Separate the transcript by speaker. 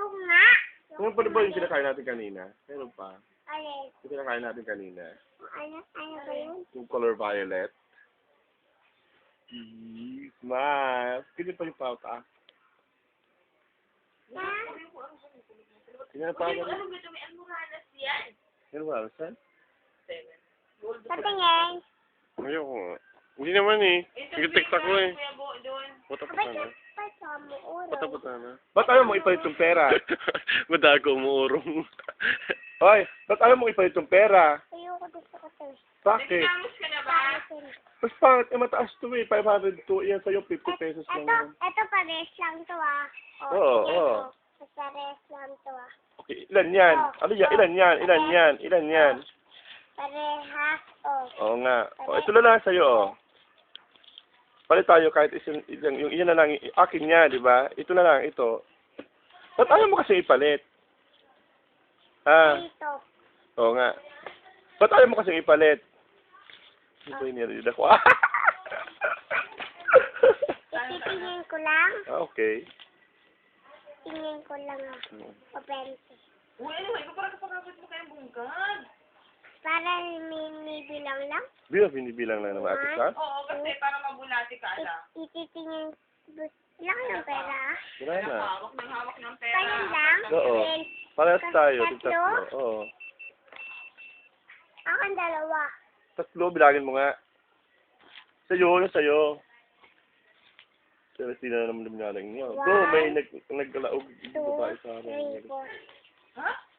Speaker 1: Yung nga.
Speaker 2: Ano pa ba yung kinakain natin kanina? Meron pa.
Speaker 1: Alin?
Speaker 2: Yung kinakain natin kanina.
Speaker 1: Ano ba yun?
Speaker 2: Yung color violet. Smile. Kini pa yung pauta.
Speaker 1: Ha?
Speaker 2: Kaya pa ba?
Speaker 3: Ano ba may almoranas yan?
Speaker 2: Ano ba? Saan?
Speaker 1: Patingin.
Speaker 2: Ayoko nga. Hindi naman eh. Nag-tiktak ko eh.
Speaker 3: Kuya Bo, doon.
Speaker 2: Puta-puta
Speaker 1: Abay,
Speaker 2: na.
Speaker 1: pa mo uro.
Speaker 2: Puta-puta na. Ba't ayaw mo ipalit yung pera?
Speaker 4: Madago umuurong.
Speaker 2: Hoy, ba't ayaw mo ipalit yung pera?
Speaker 1: Ayoko gusto ko to.
Speaker 2: Bakit?
Speaker 3: Nagtamos ka na ba?
Speaker 2: Mas pangit, mataas to eh. 500 to. Yan sa'yo, 50 pesos lang yan.
Speaker 1: Ito pares lang to ah.
Speaker 2: Oo,
Speaker 1: sige,
Speaker 2: oo.
Speaker 1: ito. Pares lang to ah.
Speaker 2: Okay, ilan yan? Ano yan? Ilan yan? Ilan yan? Ilan yan?
Speaker 1: Parehas oh.
Speaker 2: Oo nga. O, ito na lang sa'yo, oh. Palit tayo kahit yung iyan na lang, akin niya, di ba? Ito na lang, ito. Ba't ayaw mo kasi ipalit? Ah,
Speaker 1: Dito.
Speaker 2: oo nga. Ba't ayaw mo kasi ipalit? Ito yung narinig ako.
Speaker 1: Ititingin ko lang.
Speaker 2: Okay.
Speaker 1: Tingin ko lang ah. O 20.
Speaker 3: Uy, ano ba? Ikaw parang kapagabot mo kayong bungkag.
Speaker 1: Para may bilang lang.
Speaker 2: Binibilang lang naman ate ka?
Speaker 3: Oo, kasi para mabulati ka ala.
Speaker 1: Ititingin. Lang yung pera ah.
Speaker 2: Wala na.
Speaker 3: Hawak ng pera.
Speaker 1: Kaya lang.
Speaker 2: Oo.
Speaker 1: Then,
Speaker 2: Parehas tayo.
Speaker 1: Tatlo?
Speaker 2: Tatlo. Oo.
Speaker 1: Akin dalawa.
Speaker 2: Tatlo, bilangin mo nga. Sa'yo, sa'yo. Pero sila naman luminalang niyo.
Speaker 1: One,
Speaker 2: Go, may naggalaog yung
Speaker 1: 2,
Speaker 2: babae sa
Speaker 1: 3,
Speaker 2: amin.
Speaker 1: 4.
Speaker 3: Ha?